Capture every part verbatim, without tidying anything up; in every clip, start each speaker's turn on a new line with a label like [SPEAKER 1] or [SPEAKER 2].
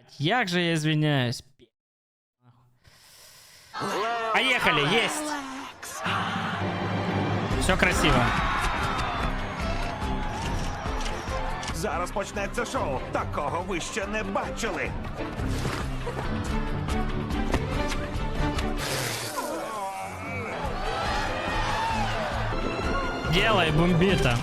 [SPEAKER 1] Як же я извиняюсь. Поехали, есть. Все красиво.
[SPEAKER 2] Зараз почнеться шоу. Такого ви ще не бачили.
[SPEAKER 1] Делай, бомбіта.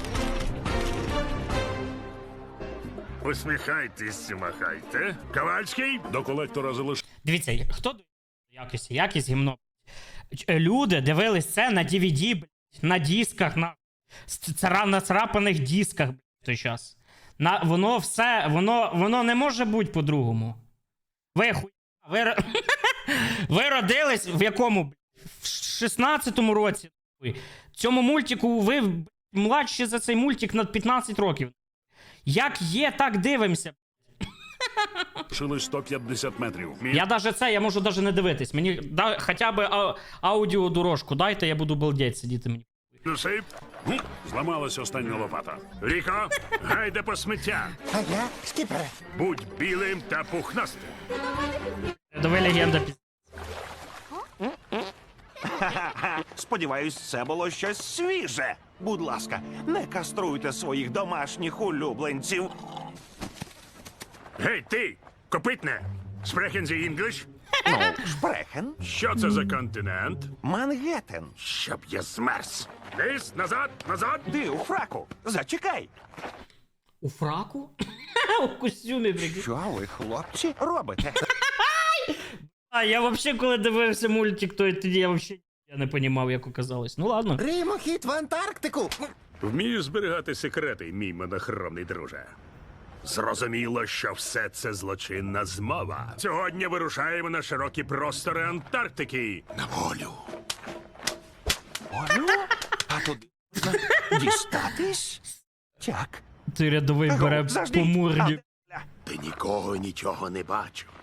[SPEAKER 3] Усміхайтесь, махайте. Ковальський, до колектора залиш...
[SPEAKER 1] Дивіться, хто до якості, якість гімно. Ч- Люди дивились це на ді ві ді, блядь, на дисках, на цара- на царапаних дисках, блядь, в той час. На, воно все, воно, воно не може бути по-другому. Ви хуй... Ви, ро- ви родились в якому, блядь? В шістнадцятому році. Хуй. Цьому мультику ви блядь, младші за цей мультик на п'ятнадцять років. Як є, так дивимося.
[SPEAKER 3] Шили сто п'ятдесят метрів. Мі...
[SPEAKER 1] Я даже це, я можу даже не дивитись. Мені да, хоча б а, аудіодорожку дайте, я буду балдеть сидіти мені.
[SPEAKER 3] Насип. Гм, Зламалась остання лопата. Ріко, гайде по сміття.
[SPEAKER 4] А я, скіпере.
[SPEAKER 3] Будь білим та пухнастим.
[SPEAKER 1] Давай легенда піз...
[SPEAKER 2] Сподіваюсь, це було щось свіже. Будь ласка, не каструйте своїх домашніх улюбленців.
[SPEAKER 3] Гей, ти, копитне. Sprechen Sie English?
[SPEAKER 2] Ну, шпрехен.
[SPEAKER 3] Що це за континент?
[SPEAKER 2] Мангеттен.
[SPEAKER 3] Щоб я змерз. Ліс, назад, назад.
[SPEAKER 2] Ти у фраку. Зачекай.
[SPEAKER 1] У фраку? У костюмі, прикинь.
[SPEAKER 2] Що ви, хлопці, робите?
[SPEAKER 1] А, я вообще, коли дивився мультик, то тоді я вообще я не понімав, як оказалось. Ну ладно.
[SPEAKER 4] Римохід в Антарктику.
[SPEAKER 3] Вмієш зберігати секрети, мій монохромний друже. Зрозуміло, що все це злочинна змова. Сьогодні вирушаємо на широкі простори Антарктики. На волю.
[SPEAKER 2] Олю? А туди можна дістатись? Так.
[SPEAKER 1] Ти рядовий бере
[SPEAKER 2] Заждіть.
[SPEAKER 1] по морді.
[SPEAKER 2] А,
[SPEAKER 3] Ти нікого і нічого не бачив.